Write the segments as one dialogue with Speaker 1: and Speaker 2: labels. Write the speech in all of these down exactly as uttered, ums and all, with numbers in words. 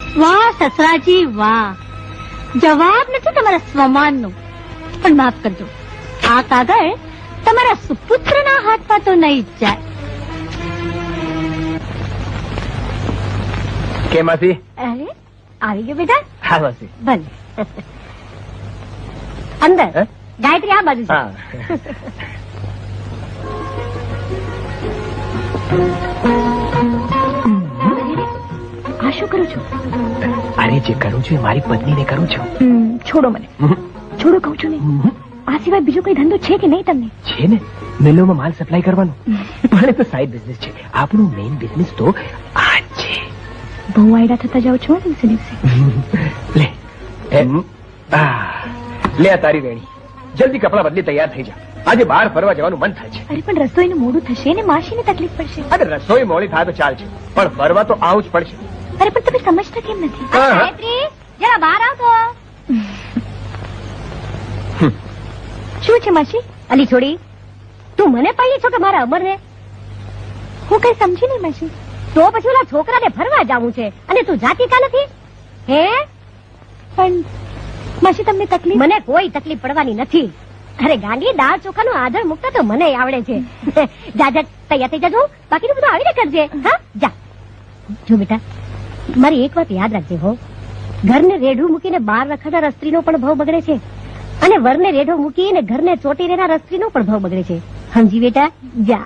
Speaker 1: વાહ સસરાજી વાહ, જવાબ નથી તમારા સ્વમાનનો, પણ માફ કરજો, આ કાગળ તમારા સુપુત્રના હાથમાં તો નહીં જ જાય.
Speaker 2: કે માસી?
Speaker 1: અરે આવી ગયો બેટા.
Speaker 2: હા માસી.
Speaker 1: ભલે અંદર. ગાયત્રી આ બાજુ છે. આ શું કરું છું?
Speaker 2: અરે જે કરું છું એ મારી પત્નીને કરું છું.
Speaker 1: છોડો મને, છોડો કહું છું ને. આ સિવાય બીજો કઈ ધંધો છે કે નહીં તમને?
Speaker 2: છે ને, મિલોમાં માલ સપ્લાય કરવાનો. પણ એ તો સાઈડ બિઝનેસ છે, આપણું મેઇન બિઝનેસ તો આ છે.
Speaker 1: બહુ આયડા થતા જાવ છો દિવસે દિવસે.
Speaker 2: લે લે આ તારી વેણી, જલ્દી કપડા બદલી તૈયાર થઈ જા, આજે બહાર ફરવા જવાનું મન થાય છે.
Speaker 1: અરે પણ રસોઈનું મોડું થશે ને માસીને તકલીફ પડશે.
Speaker 2: અરે રસોઈ મોડી થાય તો ચાલશે, પણ ફરવા તો આવું જ પડશે.
Speaker 1: અરે પણ તમે સમજતા કેમ નથી? ગાયત્રી જરા બહાર આવ તો. શું છે માસી? અલી છોડી, તું મને પાડી છો કે મારા અમરને? હું કઈ સમજી નહીં માસી. તો પછી ઓલા છોકરાને ફરવા જવું છે અને તું જાતી કા નથી? હે પણ માસી તમને તકલીફ? મને કોઈ તકલીફ પડવાની નથી. અરે ગાંડી, દાળ ચોખાનો આદર મૂકતા તો મને આવડે છે. જા જા તૈયાર થઈ જજો, બાકીનું બધું આવીને કરજે. હા જા. જો બેટા, મારી એક વાત યાદ રાખજે હો, ઘરને રેઢું મૂકીને બહાર રખડતા સ્ત્રીનો પણ ભાવ બગડે છે, અને વરને રેઢો મૂકીને ઘરને ચોટી રહેનાર સ્ત્રીનો પણ ભાવ બગડે છે. સમજી બેટા? જા.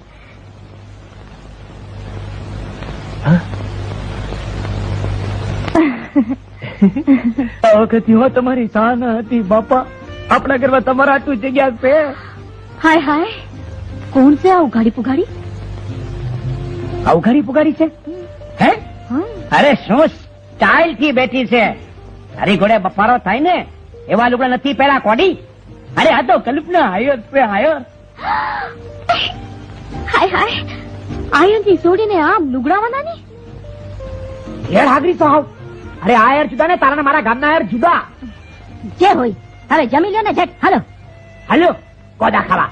Speaker 3: આ વખત હો તમારી શાન હતી બાપા, આપણા ઘરમાં તમારા આટલું જગ્યા છે.
Speaker 1: હાય હાય, કોણ છે આ ઉઘાડી પુઘાડી?
Speaker 3: અવઘાડી પુગાડી છે? હે? અરે શું સ્ટાઇલ થી બેઠી છે, તારી ઘોડે બફારો થાય ને એવા લુગડા નથી પેલા કોડી. અરે આ તો કલ્પના આયો પે આયો.
Speaker 1: હાય હાય, આયનથી છોડીને આમ લુગડાવાના ની
Speaker 3: હેડ હાગરી તો આવ. અરે આ યાર જુદા ને તારા મારા ગામના યાર જુદા.
Speaker 1: જે હોય હવે જમી લ્યો ને ઝટ. હાલો
Speaker 3: હાલો કોદા ખાવા.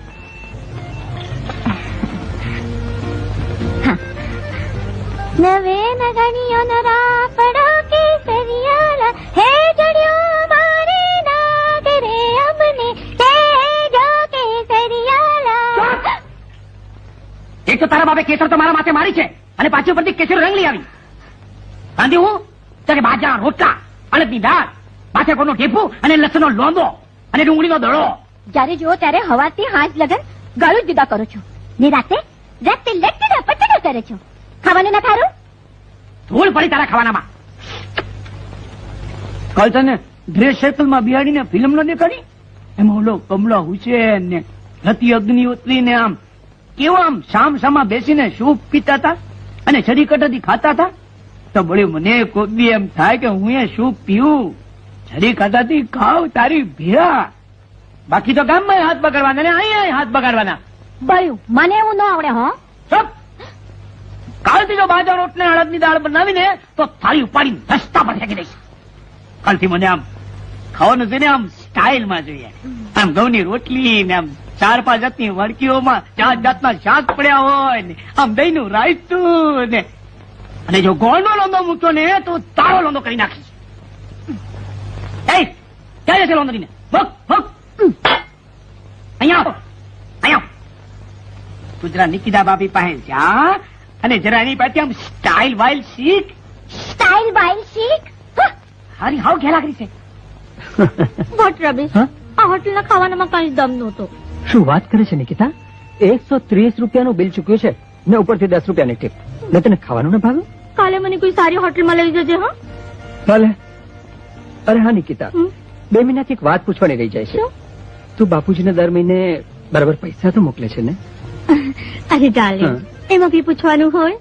Speaker 1: નવે નગણીઓ ન રાપડો કે સરિયાલા હે જડ્યો મારે નાગરે અમને હે જો કે સરિયાલા.
Speaker 3: એક તો તારા બાપે કેસર તો મારા માથે મારી છે અને પાછી ઉપરથી કેસર રંગ લઈ આવી. બાંધી હું ત્યારે બાજા રોટલા, અડદની દાળ, માથે કોનો ઢેફું અને લસણનો લોંદો અને ડુંગળીનો દડો.
Speaker 1: જ્યારે જુઓ ત્યારે હવાથી હાથ લગન ગાળું જુદા કરો છો, ને રાતે રાતે લટડા પટડા કરે છો. ખાવાનું ના ખારું?
Speaker 3: ધૂળ પડી તારા ખાવાનામાં. કાલ તને ડ્રેસ સર્કલમાં બિહાડીને ફિલ્મ ન દેખાડી? એમાં ઓલો કમલા હુસેન ને રતિ અગ્નિહોત્રી ને આમ કેવા આમ સામ સામા બેસીને સૂપ પીતા હતા અને છડી કટાથી ખાતા હતા. તો બળી મને કોઈ બી એમ થાય કે હું એ સૂપ પીવું, છડી કટાથી ખાવ તારી ભેળા. બાકી તો ગામમાં હાથ બગાડવાના ને અહીંયા હાથ બગાડવાના.
Speaker 1: બાયું મને એવું ન આવડે. હો
Speaker 3: સબ કાલથી જો બાજા રોટ ને અડદની દાળ બનાવીને તો થાળી ઉપાડી રસ્તા પર ફેંકી દઈશ. કાલથી મને આમ ખાવાનું છે ને આમ સ્ટાઇલમાં જોઈએ. આમ ઘઉંની રોટલી ને આમ ચાર પાંચ જાતની વળકીઓમાં ચાર જાતના શાક પડ્યા હોય ને આમ દહીંનું રાયતું ને, અને જો ગોળનો લોંદો મૂક્યો ને તો તારો લોંદો કરી નાખીશ. એ ક્યાં જશે લોંદરીને? ભગ ભગ અહીંયા આવો, અહીંયા ગુજરા નિકિતા બાપી પાસે જા અને જરા એની પાસે આમ સ્ટાઇલ વાઇલ શીખ.
Speaker 1: સ્ટાઇલ બાઇલ શીખ?
Speaker 3: હારી હાવ ઘેલા કરી છે.
Speaker 1: વોટ રબીશ, આ હોટલના ખાવાનામાં કઈ દમ નહોતો.
Speaker 2: શું વાત કરે છે નિકિતા? એકસો ત્રીસ રૂપિયાનું બિલ ચૂક્યું છે ને ઉપરથી દસ રૂપિયાની ટીપ. ને તને ખાવાનું ના ભાવે?
Speaker 1: કાલે મને કોઈ સારી હોટલમાં લઈ જજે. હા
Speaker 2: ભલે. અરે હા નિકિતા, બે મહિનાથી એક વાત પૂછવાની રહી જાય છે. તું બાપુજીને દર મહિને બરાબર પૈસા તો મોકલે છે ને?
Speaker 1: અરે ડાર્લિંગ, એમાં બી પૂછવાનું હોય?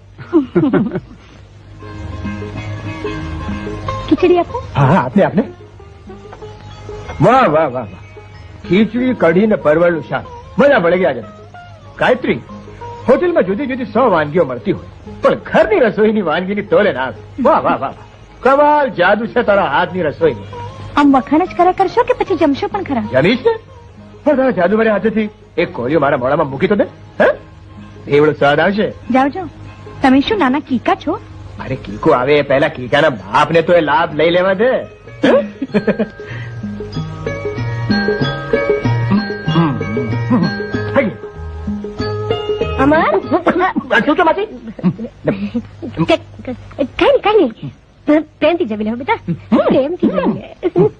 Speaker 1: ખીચડી આપો.
Speaker 4: હા આપને આપને. વાહ વાહ વાહ વાહ, ખીચડી કઢી ને પરવળનું શાક, મજા પડી ગયા છે. ગાયત્રી, હોટેલમાં જુદી જુદી સો વાનગીઓ મળતી હોય પણ ઘરની રસોઈની વાનગીની તોલે ના આવે. વાહ વાહ વાહ, કમાલ જાદુ છે તારા હાથની રસોઈ.
Speaker 1: આમ વખાણ જ ખરા કરશો કે પછી જમશો પણ ખરા?
Speaker 4: જમીશ ને, પણ તારા જાદુભર્યા હાથેથી એક કોળિયો મારા મોઢામાં મૂકી તો દે. હે એવડો સ્વાદ આવશે.
Speaker 1: જાઓ જાઓ. તમે શું નાના કીકા છો?
Speaker 4: અરે કીકો આવે એ પહેલા કીકાના બાપને તો એ લાભ લઈ લેવા દે.
Speaker 1: અમર
Speaker 4: શું છે માસી?
Speaker 1: કઈ નહીં કઈ નહીં પ્રેમથી જમી લેવો બેટા, પ્રેમથી જમી લે.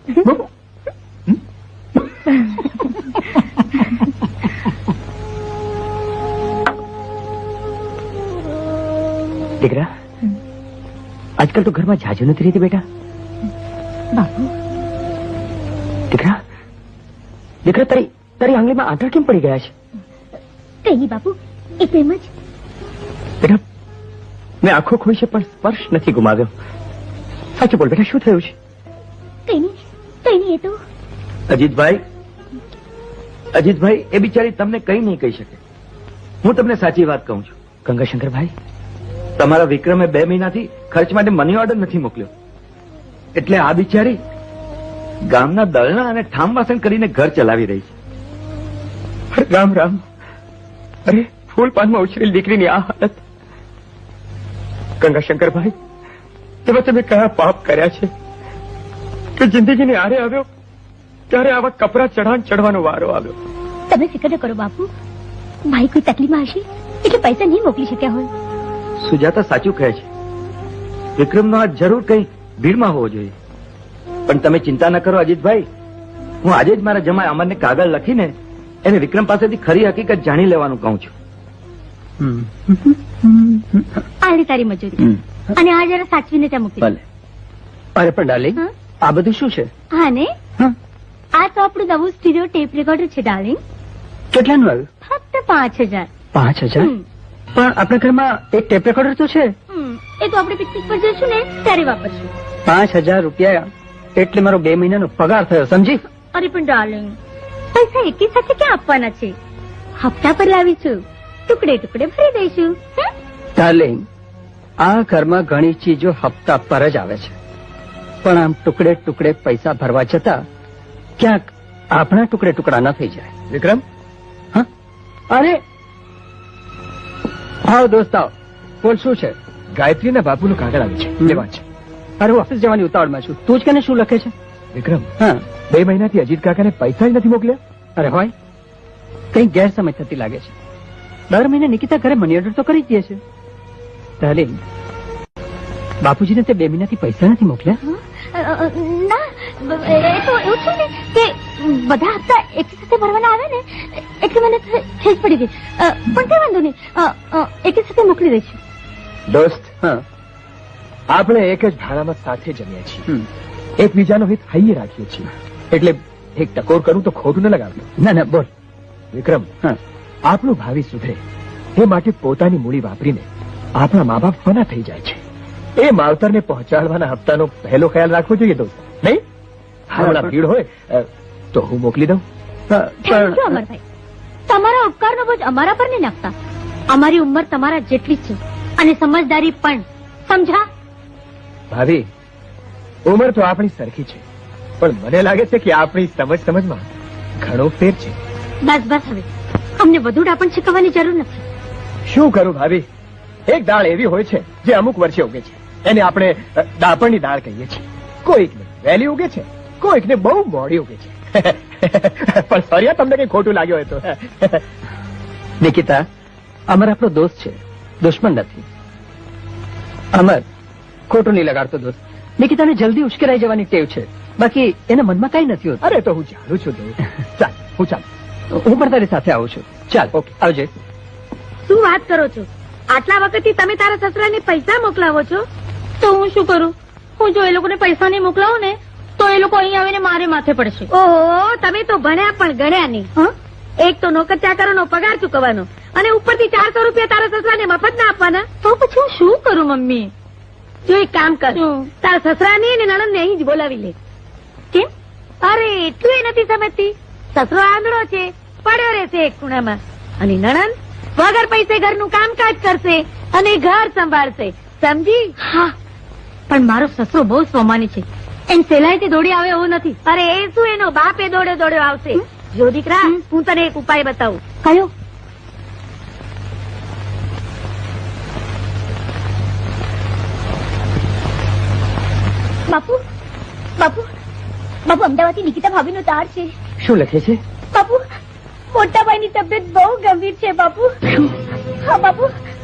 Speaker 2: દીકરા, આજકાલ તો ઘરમાં જાજુ નથી રહેતી બેટા.
Speaker 1: બાપુ
Speaker 2: દીકરા દીકરા તારી તારી આંગળીમાં આંટા કેમ પડી ગયા છે?
Speaker 1: કઈ નહીં બાપુ, એ પ્રેમ જ.
Speaker 2: બેટા, મેં આંખો ખોઈ છે પણ સ્પર્શ નથી ગુમાવ્યો. સાચું બોલ બેટા, શું થયું છે?
Speaker 1: કઈ નહીં કઈ નહીં, એ તો
Speaker 5: અજીતભાઈ અજીતભાઈ એ બિચારી તમને કઈ નહીં કહી શકે. હું તમને સાચી વાત કહું છું.
Speaker 2: ગંગાશંકરભાઈ,
Speaker 5: તમારા વિક્રમે બે મહિનાથી ખર્ચ માટે મની ઓર્ડર નથી મોકલ્યો, એટલે આ બિચારી ગામના દળના અને ઠામ વાસણ કરીને ઘર ચલાવી રહી છે.
Speaker 2: રામ રામ. અરે, ફૂલ પાનમાં ઉછરેલી દીકરીની આ હાલત. ગંગાશંકરભાઈ, તમે તમે કયા પાપ કર્યા છે કે જિંદગીની આરે આવ્યો ત્યારે આવા કપરા ચઢાણ ચડવાનો વારો આવ્યો?
Speaker 1: તમે ફિકર ન કરો બાપુ, ભાઈ કોઈ તકલીફમાં હશે એટલે પૈસા નહીં મોકલી શક્યા હોય.
Speaker 5: સુજાતા સાચું કહે છે. વિક્રમનો આ જરૂર કઈ ભીડમાં હોવો જોઈએ. પણ તમે ચિંતા ન કરો અજીતભાઈ, હું આજે જ મારા જમાઈ અમરને કાગળ લખીને એને વિક્રમ પાસેથી ખરી હકીકત જાણી લેવાનું કહું છું.
Speaker 1: આલી તારી મજૂરી, અને આ જરા સાચવીને ત્યાં મૂકી દે.
Speaker 2: ભલે. અરે પણ ડાર્લિંગ,
Speaker 1: હા?
Speaker 2: આ બધું શું છે?
Speaker 1: હા ને,
Speaker 2: હા?
Speaker 1: આ તો આપણું નવું સ્ટીરિયો ટેપ રેકોર્ડર છે ડાર્લિંગ.
Speaker 2: કેટલાનું આવ્યું?
Speaker 1: ફક્ત પાંચ હજાર.
Speaker 2: પાંચ હજાર?
Speaker 1: હમ.
Speaker 2: પણ આપણા ઘરમાં એક ટેપ રેકોર્ડર તો છે.
Speaker 1: હમ, એ તો આપણે પિકનિક પર જઈશું ને ત્યારે વાપરશું.
Speaker 2: પાંચ હજાર રૂપિયા એટલે મારો બે મહિનાનો પગાર થયો, સમજી?
Speaker 1: અરે પણ ડાર્લિંગ, પૈસા એકી સાથે ક્યાં આપવાના છે? હપ્તા પર લાવીશું, ટુકડે ટુકડે ભરી દઈશું. હમ?
Speaker 2: ડાર્લિંગ, આ ઘરમાં ઘણી ચીજો હપ્તા પર જ આવે છે, પણ આમ ટુકડે ટુકડે પૈસા ભરવા જતા ક્યાંક આપણા ટુકડે ટુકડા ન થઈ જાય.
Speaker 4: વિક્રમ,
Speaker 2: હા? અરે આવો દોસ્ત, આવો. બોલ, શું છે?
Speaker 4: ગાયત્રીના બાપુનું કાગળ આવ્યું છે,
Speaker 2: હમ.
Speaker 4: લેવા છે.
Speaker 2: અરે, હું ઓફિસ જવાની ઉતાવળમાં છું. તું જ કે શું લખે છે?
Speaker 4: વિક્રમ,
Speaker 2: હા.
Speaker 4: બે મહિનાથી અજીત કાકાને પૈસા જ નથી મોકલ્યા.
Speaker 2: અરે હોય, કઈ ગેરસમજ થતી લાગે છે. દર મહિને નિકિતા ઘરે મની ઓર્ડર તો કરી જ દે છે. ડાર્લિંગ, બાપુજીને તે બે મહિનાથી પૈસા નથી મોકલ્યા?
Speaker 1: અ, અ, ના, એ તો એવું છે ને કે બધા હપ્તા એક સાથે ભરવાના આવે ને એટલે મને તો ખેંચ પડી ગઈ. અ, પણ કઈ વાંધો નહીં, અ, અ, એકી સાથે મોકલી દઈશું.
Speaker 4: દોસ્ત,
Speaker 2: હા.
Speaker 4: આપણે એક જ ભાડામાં સાથે જમ્યા છીએ,
Speaker 2: હમ.
Speaker 4: એકબીજાનો હિત હૈયે રાખીએ છીએ, એટલે એક ટકોર કરું તો ખોટું ન લગાવતું.
Speaker 2: ના ના, બોલ.
Speaker 4: વિક્રમ,
Speaker 2: હા.
Speaker 4: આપણું ભાવિ સુધરે એ માટે પોતાની મૂડી વાપરીને આપણા મા બાપ ફના થઈ જાય છે. એ માવતરને પહોંચાડવાના હપ્તાનો પહેલો ખ્યાલ રાખવો જોઈએ દોસ્ત, નહીં? હમણાં ભીડ હોય અ, તો હું મોકલી દઉં.
Speaker 2: હા,
Speaker 1: થેન્ક યુ
Speaker 2: પણ
Speaker 1: અમરભાઈ, તમારા ઉપકારનો બોજ અમારા પર નહીં નાખતા. અમારી ઉંમર તમારા જેટલી જ છે અને સમજદારી પણ, સમજા?
Speaker 4: ભાભી, ઉંમર તો આપણી સરખી છે, પણ મને લાગે છે કે આપણી સમજ સમજમાં ઘણો ફેર છે.
Speaker 1: બસ બસ, હવે અમને વધુ ડાપણ શીખવવાની જરૂર નથી.
Speaker 4: શું કરું ભાભી, એક દાળ એવી હોય છે જે અમુક વર્ષે ઉગે છે, એને આપણે અ, દાપણની દાળ કહીએ છીએ. કોઈકને વહેલી ઉગે છે, કોઈકને બહુ મોડી ઉગે છે. પણ સોરી, તમને કઈ ખોટું લાગ્યું હોય તો.
Speaker 2: નિકિતા, અમર આપણો દોસ્ત છે, દુશ્મન નથી. અમર ખોટું નહીં લગાડતો દોસ્ત. નિકિતાને જલ્દી ઉશ્કેરાઈ જવાની ટેવ છે, બાકી એના મનમાં કઈ નથી હોતું.
Speaker 4: અરે તો હું જાણું છું દોસ્ત. ચાલ, હું ચાલ.
Speaker 2: હું પણ તારી સાથે આવું છું. ચાલ, ઓકે, આવજે.
Speaker 1: શું વાત કરો છો? આટલા વખતથી તમે તારા સસરાને પૈસા મોકલાવો છો, તો હું શું કરું? હું જો એ લોકોને પૈસા નહીં મોકલાવું ને તો એ લોકો અહીં આવીને મારે માથે પડશે. ઓહો, તમે તો ભણ્યા પણ ગણ્યા નહીં. હા, એક તો નોકર ચાકરોનો પગાર ચૂકવવાનો અને ઉપરથી ચારસો રૂપિયા તારા સસરાને મફત ના આપવાના. તો પછી હું શું કરું મમ્મી? જો એક કામ કર, તારા સસરાને અને નણંદને અહીં જ બોલાવી લે. કેમ? અરે એટલું એ નથી સમજતી. સસરો આંધળો છે, પડ્યો રહેશે એક ખૂણામાં, અને નણંદ વગર પૈસે ઘરનું કામકાજ કરશે અને ઘર સંભાળશે, સમજી? હા, પણ મારો સસરો બહુ સ્વમાની છે, એમ સહેલાઈથી દોડી આવે એવું નથી. અરે એ શું, એનો બાપ એ દોડ્યો દોડ્યો આવશે. જો દીકરા, હું તને એક ઉપાય બતાવું. કયો? બાપુ બાપુ બાપુ અમદાવાદથી નિકિતા ભાભીનો તાર છે.
Speaker 2: શું લખે છે?
Speaker 1: બાપુ મોટા ભાઈની તબિયત બહુ ગંભીર છે બાપુ. હા બાપુ.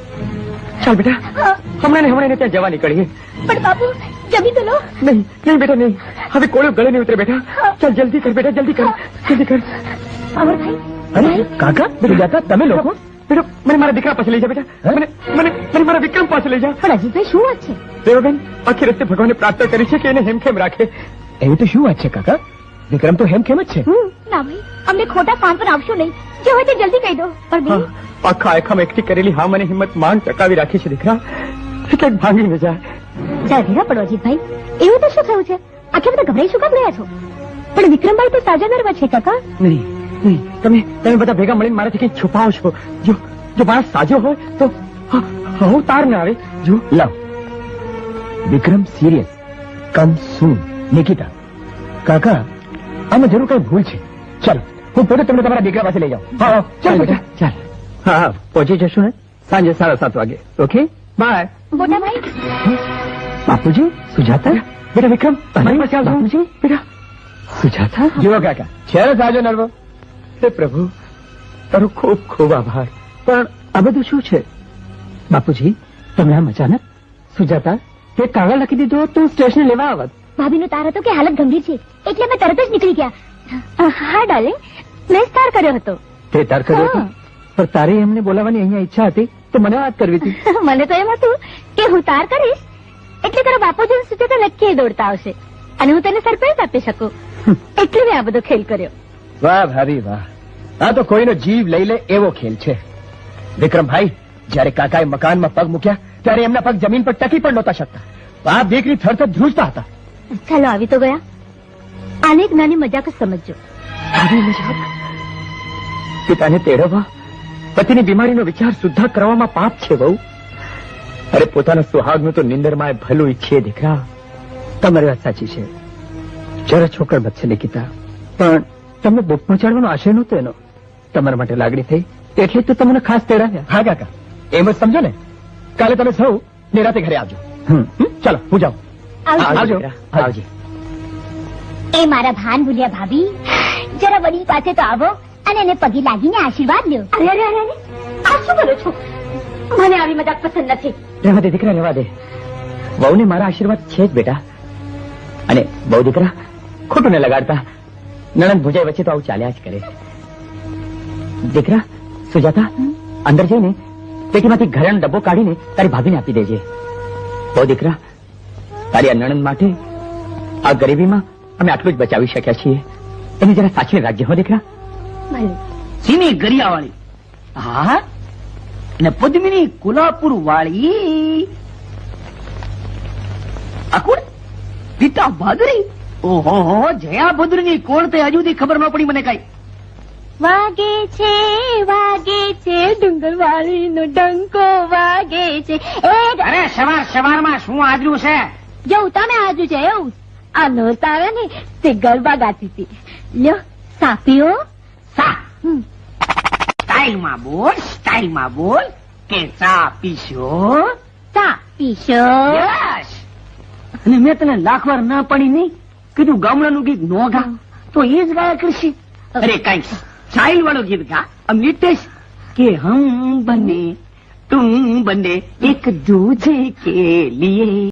Speaker 2: ચાલ બેટા,
Speaker 1: હા,
Speaker 2: હમણાં ને હમણાં એને ત્યાં જવા નીકળીએ.
Speaker 1: પણ બાપુ જમી તો લો.
Speaker 2: નહીં નહીં બેટા નહીં, હવે કોળો ગળે નહીં ઉતરે બેટા. ચાલ જલ્દી કર બેટા, જલ્દી કર, જલ્દી કર.
Speaker 1: અમરભાઈ
Speaker 4: અરે કાકા સુજાતા તમે લોકો
Speaker 2: બેટા મને મારા દીકરા પાસે લઈ જા બેટા. મને મને મને મારા વિક્રમ પાસે લઈ જા.
Speaker 1: પણ અજીતભાઈ શું વાત છે?
Speaker 2: દેવબેન આખી રસ્તે ભગવાને પ્રાર્થના કરી છે કે એને હેમખેમ રાખે.
Speaker 4: એવી તો શું વાત છે કાકા? વિક્રમ તો હેમખેમ જ છે.
Speaker 1: હમ, ના ભાઈ અમને ખોટા કામ પર આવશો નહીં. જે હોય તે જલ્દી કહી દો. પણ
Speaker 2: હા,
Speaker 1: બેન
Speaker 2: આખા આખામાં એકઠી કરેલી હા મને હિંમત માંગ ટકાવી રાખી છે દીકરા, એટલે ભાંગી ન જાય.
Speaker 1: જરા ધીરા પડો અજીતભાઈ. એવું તો શું થયું છે? આખે બધા ગભરાઈ શું કામ રહ્યા છો? પણ વિક્રમભાઈ તો સાજા નરવા છે કાકા.
Speaker 2: નહીં નહીં, તમે તમે બધા ભેગા મળીને મારાથી કંઈક છુપાવો છો. જો જો માણસ સાજો હોય તો હ- હું તાર ના આવે. જો
Speaker 4: લાવ વિક્રમ સિરિયસ કમ સૂન. નિકિતા કાકા આમાં જરૂર કઈ ભૂલ છે. ચાલો હું પોતે તમને તમારા દીકરા પાસે લઈ જાઉં. હા હા, ચાલ બેટા ચાલ.
Speaker 2: હા હા પહોંચી જશું ને સાંજે સાડા સાત વાગે. Okay bye.
Speaker 1: મોટા ભાઈ
Speaker 2: બાપુજી, સુજાતા, બેટા વિક્રમ મારી પાસે આવજો.
Speaker 1: બાપુજી.
Speaker 2: બેટા સુજાતા.
Speaker 4: જુઓ કાકા છે ને સાજો નરવો.
Speaker 2: હે પ્રભુ, તારો ખૂબ ખૂબ આભાર. પણ આ બધું શું છે? બાપુજી તમે આમ અચાનક? સુજાતા તે કાગળ લખી દીધો હોત તો હું સ્ટેશને લેવા આવત.
Speaker 1: ભાભીનો તાર હતો કે હાલત ગંભીર છે એટલે અમે તરત જ નીકળી ગયા. હા ડાર્લિંગ, મેં જ તાર કર્યો હતો.
Speaker 2: તે તાર કર્યો હતો?
Speaker 1: હા.
Speaker 2: પણ તારે એમને બોલાવવાની અહીંયા ઈચ્છા હતી તો મને વાત કરવી હતી.
Speaker 1: મને તો એમ હતું કે હું તાર કરીશ એટલે તારા બાપુજી સુચેતા નક્કી દોડતા આવશે અને હું તેને સરપ્રાઈઝ આપી શકું. એટલે મેં આ બધો ખેલ કર્યો.
Speaker 4: વાહ ભાભી વાહ, આ તો કોઈનો જીવ લઈ લે એવો ખેલ છે. વિક્રમભાઈ જયારે કાકાએ મકાનમાં પગ મૂક્યા ત્યારે એમના પગ જમીન પર ટકી પણ નહોતા શકતા. બાપ દીકરી થરથર ધ્રુજતા હતા.
Speaker 1: ચાલો આવી તો ગયા. આને એક નાની મજાક જ સમજજો.
Speaker 2: આવી મજાક? પિતાને તેડવવા, પતિની બીમારીનો વિચાર શુદ્ધ કરવામાં પાપ છે બહુ. અરે પોતાના સુહાગનું તો નિંદરમાં ભલું ઈચ્છીએ દીકરા. તમારી વાત સાચી છે, જરા છોકર બચશે નિકિતા. પણ તમને દુઃખ પહોંચાડવાનો આશય નહોતો એનો. તમારા માટે લાગણી થઈ એટલે જ તો તમને ખાસ તેડાવ્યા.
Speaker 4: હા કાકા એમ જ સમજો ને. કાલે તમે સૌ નિરાતે ઘરે આવજો.
Speaker 2: હમ.
Speaker 4: હમ? ચાલો હું જાઉં.
Speaker 1: આવજો.
Speaker 2: આવજો
Speaker 4: દીકરા,
Speaker 2: આવજો.
Speaker 1: એ મારા ભાન ભૂલ્યા ભાભી, જરા વડીલ પાસે તો આવો અને એને પગે લાગીને આશીર્વાદ લ્યો. અરે અરે અરે અરે, આ શું કરો છો? મને આવી મજાક પસંદ નથી.
Speaker 2: રહેવા દે દીકરા, રહેવા દે. વહુને મારા આશીર્વાદ છે જ બેટા. અને બહુ દીકરા ખોટું ને લગાડતા. નણંદ ભુજાઈ વચ્ચે તો આવું ચાલ્યા જ કરે. દીકરા સુજાતા, અંદર જઈને પેટીમાંથી ઘરેણો ડબ્બો કાઢીને તારી ભાભીને આપી દેજે. બહુ દીકરા, તારી આ નણંદ માટે આ ગરીબીમાં અમે આટલું જ બચાવી શક્યા છીએ. એને જરા સાચવી રાખજે હો દીકરા.
Speaker 1: ભલે.
Speaker 3: સીની ગરિયા વાળી, હા, અને પદ્મિની કોલ્હાપુર વાળી. આ કોણ? પિતા ભાદરી. ઓહો હો, જયા ભદ્રની કોણ તે હજુ સુધી ખબર ન પડી મને કઈ.
Speaker 1: વાગે છે વાગે છે ડુંગરવાળી નો ડંકો વાગે છે. એ
Speaker 3: અરે સવાર સવારમાં શું આજ્યું છે?
Speaker 1: જેવું તમે આજુ છે એવું આ નોરતા આવે ને તે ગરબા ગાતી હતી. લ્યો સાપીઓ.
Speaker 3: સા
Speaker 1: હમ.
Speaker 3: સ્ટાઇલમાં બોલ, સ્ટાઇલમાં બોલ કે ચા પીશો?
Speaker 1: ચા પીશો.
Speaker 3: યસ. અને મેં તને લાખ વાર ના પડી નહીં કીધું ગામડાનું ગીત નો ગા, તો એ જ ગાયા કરશે. અરે કઈ સ્ટાઇલ વાળું ગીત ગા. આમ નિતેશ કે હમ બને તુમ બને એક દૂજે કે લીએ.